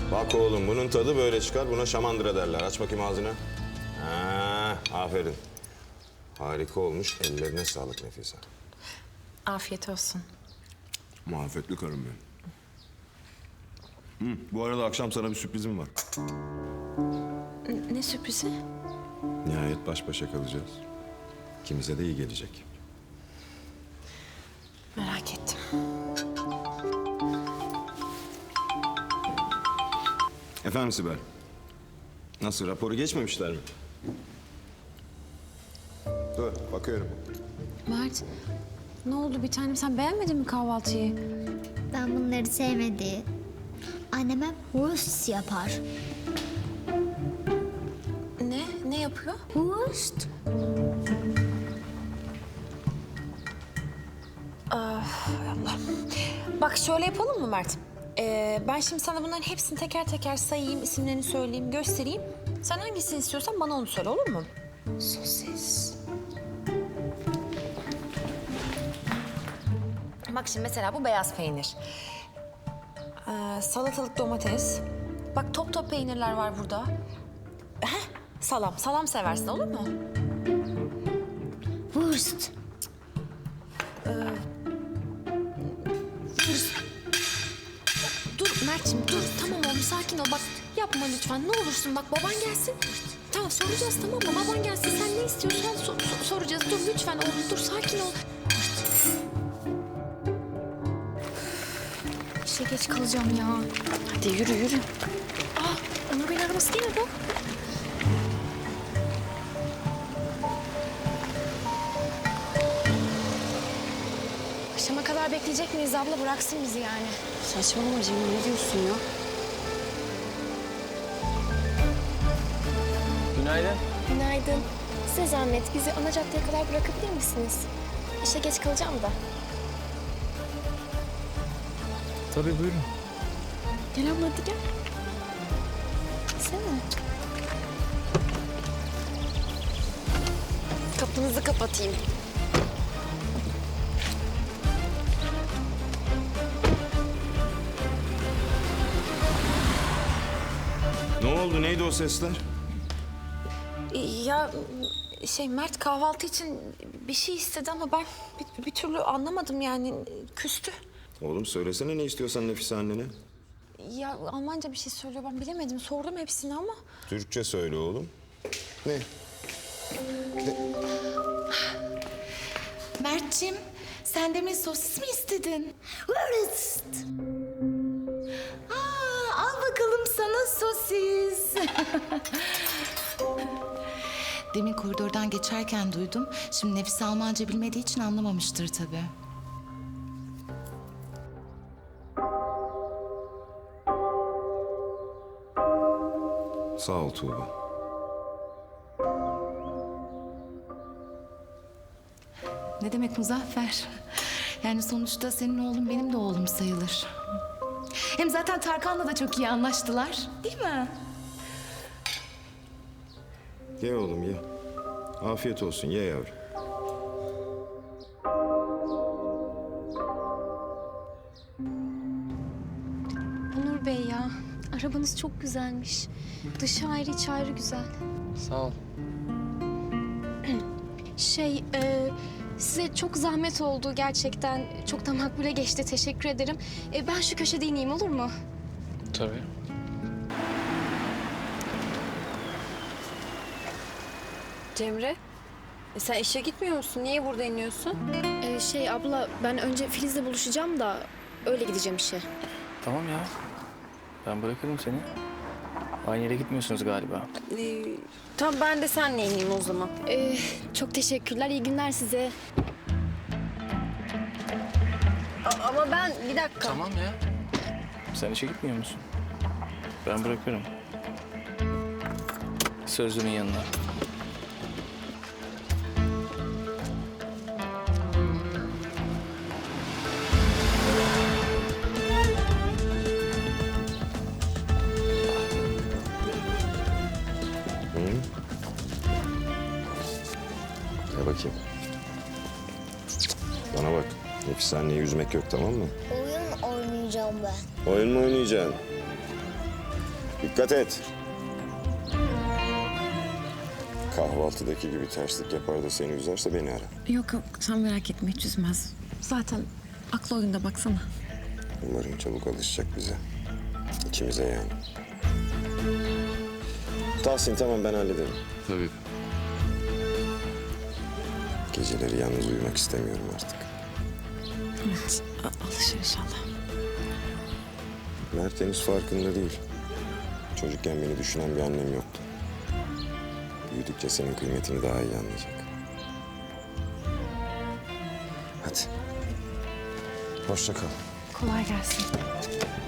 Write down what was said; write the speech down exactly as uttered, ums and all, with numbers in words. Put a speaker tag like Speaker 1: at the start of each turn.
Speaker 1: Bak oğlum bunun tadı böyle çıkar. Buna şamandıra derler. Aç bakayım ağzını. Ha, aferin. Harika olmuş. Ellerine sağlık Nefise.
Speaker 2: Afiyet olsun.
Speaker 1: Marifetli karım benim. Hı, bu arada akşam sana bir sürprizim var.
Speaker 2: N- Ne sürprizi?
Speaker 1: Nihayet baş başa kalacağız. İkimize de iyi gelecek.
Speaker 2: Merak ettim.
Speaker 1: Efendim Sibel. Nasıl, raporu geçmemişler mi? Dur, bakıyorum.
Speaker 2: Mert, ne oldu bir tanem? Sen beğenmedin mi kahvaltıyı?
Speaker 3: Ben bunları sevmedi. Anneme wurst yapar.
Speaker 2: Ne? Ne yapıyor?
Speaker 3: Wurst.
Speaker 2: Hay Allah. Bak şöyle yapalım mı Mert? Ee, ben şimdi sana bunların hepsini teker teker sayayım, isimlerini söyleyeyim, göstereyim. Sen hangisini istiyorsan bana onu söyle, olur mu? Sosis. Bak şimdi mesela bu beyaz peynir. Ee, salatalık domates. Bak top top peynirler var burada. Heh, salam. Salam seversin, olur mu?
Speaker 3: Wurst.
Speaker 2: Dur Mert'ciğim dur. Tamam oğlum sakin ol. Bak yapma lütfen. Ne olursun bak baban gelsin. Tamam soracağız tamam mı? Baban gelsin. Sen ne istiyorsan so- so- soracağız. Dur lütfen oğlum dur sakin ol.
Speaker 3: İşe geç kalacağım ya.
Speaker 2: Hadi yürü yürü. Aa Onur Bey'in arabası değil mi bu?
Speaker 4: Akşama kadar bekleyecek miyiz abla? Bıraksın bizi yani.
Speaker 2: Saçmalama Cemil ne diyorsun ya?
Speaker 5: Günaydın.
Speaker 4: Günaydın. Size zahmet bizi ana caddeye kadar bırakabilir misiniz? İşe geç kalacağım da.
Speaker 5: Tabii buyurun.
Speaker 4: Gel abla hadi gel. Gelsene.
Speaker 2: Kapınızı kapatayım.
Speaker 1: Ne oldu, neydi o sesler?
Speaker 2: Ya şey Mert kahvaltı için bir şey istedi ama ben bir, bir türlü anlamadım yani küstü.
Speaker 1: Oğlum söylesene ne istiyorsan Nefise annene.
Speaker 2: Ya Almanca bir şey söylüyor ben bilemedim sordum hepsini ama.
Speaker 1: Türkçe söyle oğlum. Ne?
Speaker 6: Mert'cim, sen demin sosis mi istedin?
Speaker 3: Wurst.
Speaker 6: Aa, al bakalım sana sosis. Demin koridordan geçerken duydum. Şimdi Nefise Almanca bilmediği için anlamamıştır tabii.
Speaker 1: Sağ ol Tuğba.
Speaker 6: Ne demek Muzaffer? Yani sonuçta senin oğlun benim de oğlum sayılır. Hem zaten Tarkan'la da çok iyi anlaştılar, değil mi?
Speaker 1: Ye oğlum ye. Afiyet olsun ye yavrum.
Speaker 4: Onur Bey ya, arabanız çok güzelmiş. Dışı ayrı, içi ayrı güzel.
Speaker 5: Sağ ol.
Speaker 4: Şey, e, size çok zahmet oldu gerçekten. Çok da makbule geçti, teşekkür ederim. E, ben şu köşede ineyim olur mu?
Speaker 5: Tabii.
Speaker 2: Cemre e sen işe gitmiyor musun? Niye burada iniyorsun?
Speaker 4: E, şey abla, ben önce Filiz'le buluşacağım da öyle gideceğim işe.
Speaker 5: Tamam ya. Ben bırakırım seni. Aynı yere gitmiyorsunuz galiba.
Speaker 2: Ee, tamam ben de seninle ineyim o zaman.
Speaker 4: E, çok teşekkürler, iyi günler size.
Speaker 2: A- ama ben bir dakika.
Speaker 5: Tamam ya. Sen işe gitmiyor musun? Ben bırakırım. Sözlünün yanına.
Speaker 1: Gel bakayım. Bana bak. Nefise anneyi üzmek yok tamam mı?
Speaker 3: Oyun oynayacağım ben.
Speaker 1: Oyun mu oynayacaksın? Dikkat et. Kahvaltıdaki gibi terslik yapar da seni üzerse beni ara.
Speaker 2: Yok yok sen merak etme hiç üzmez. Zaten aklı oyunda baksana.
Speaker 1: Umarım çabuk alışacak bize. İkimize yani. Tahsin tamam ben hallederim.
Speaker 7: Tabii.
Speaker 1: Geceleri yalnız uyumak istemiyorum artık.
Speaker 2: Evet a- alışır inşallah.
Speaker 1: Mert henüz farkında değil. Çocukken beni düşünen bir annem yoktu. Büyüdükçe senin kıymetini daha iyi anlayacak. Hadi. Hoşça kal.
Speaker 2: Kolay gelsin.